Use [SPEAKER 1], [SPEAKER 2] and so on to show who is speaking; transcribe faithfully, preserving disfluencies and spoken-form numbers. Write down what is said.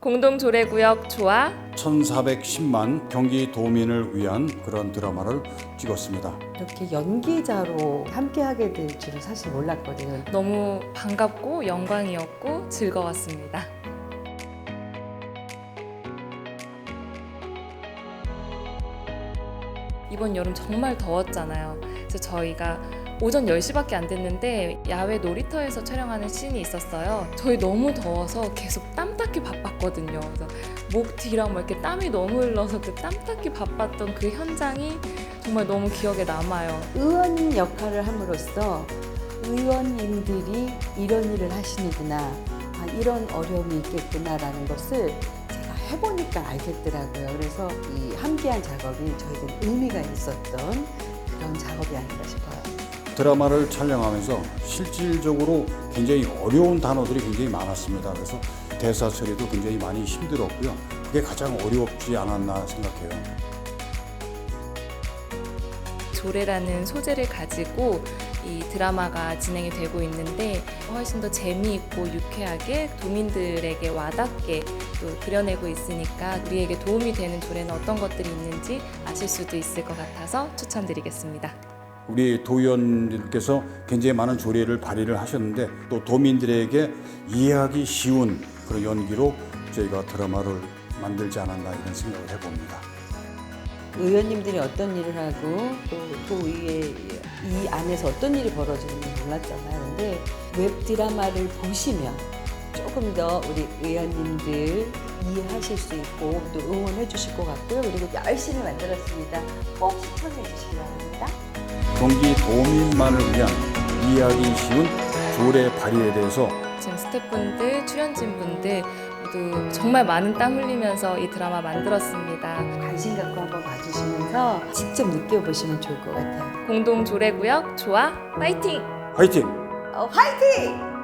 [SPEAKER 1] 공동조례구역 조화
[SPEAKER 2] 천사백십만 경기 도민을 위한 그런 드라마를 찍었습니다.
[SPEAKER 3] 이렇게 연기자로 함께하게 될 줄은 사실 몰랐거든요.
[SPEAKER 1] 너무 반갑고 영광이었고 즐거웠습니다. 이번 여름 정말 더웠잖아요. 그래서 저희가 오전 열 시밖에 안 됐는데 야외 놀이터에서 촬영하는 씬이 있었어요. 저희 너무 더워서 계속 땀 닦기 바빴거든요. 그래서 목 뒤랑 막 이렇게 땀이 너무 흘러서 그 땀 닦기 바빴던 그 현장이 정말 너무 기억에 남아요.
[SPEAKER 3] 의원 역할을 함으로써 의원님들이 이런 일을 하시는구나, 아, 이런 어려움이 있겠구나라는 것을 제가 해보니까 알겠더라고요. 그래서 이 함께한 작업이 저에겐 의미가 있었던 그런 작업이 아닌가 싶어요.
[SPEAKER 2] 드라마를 촬영하면서 실질적으로 굉장히 어려운 단어들이 굉장히 많았습니다. 그래서 대사 처리도 굉장히 많이 힘들었고요. 그게 가장 어렵지 않았나 생각해요.
[SPEAKER 1] 조례라는 소재를 가지고 이 드라마가 진행이 되고 있는데 훨씬 더 재미있고 유쾌하게 도민들에게 와닿게 또 그려내고 있으니까 우리에게 도움이 되는 조례는 어떤 것들이 있는지 아실 수도 있을 것 같아서 추천드리겠습니다.
[SPEAKER 2] 우리 도의원님께서 굉장히 많은 조례를 발의를 하셨는데 또 도민들에게 이해하기 쉬운 그런 연기로 저희가 드라마를 만들지 않았나 이런 생각을 해봅니다.
[SPEAKER 3] 의원님들이 어떤 일을 하고 또 도의회 이 안에서 어떤 일이 벌어지는지 몰랐잖아요. 근데 웹 드라마를 보시면 조금 더 우리 의원님들 이해하실 수 있고 또 응원해 주실 것 같고요. 그리고 열심히 만들었습니다. 꼭 시청해 주시기 바랍니다.
[SPEAKER 2] 경기 도민만을 위한 이해하기 쉬운 조례 발의에 대해서
[SPEAKER 1] 지금 스태프분들, 출연진분들 모두 정말 많은 땀 흘리면서 이 드라마 만들었습니다.
[SPEAKER 3] 관심 갖고 한번 봐주시면서 직접 느껴보시면 좋을 것 같아요.
[SPEAKER 1] 공동조례구역 조화 파이팅!
[SPEAKER 2] 화이팅!
[SPEAKER 3] 어, 화이팅!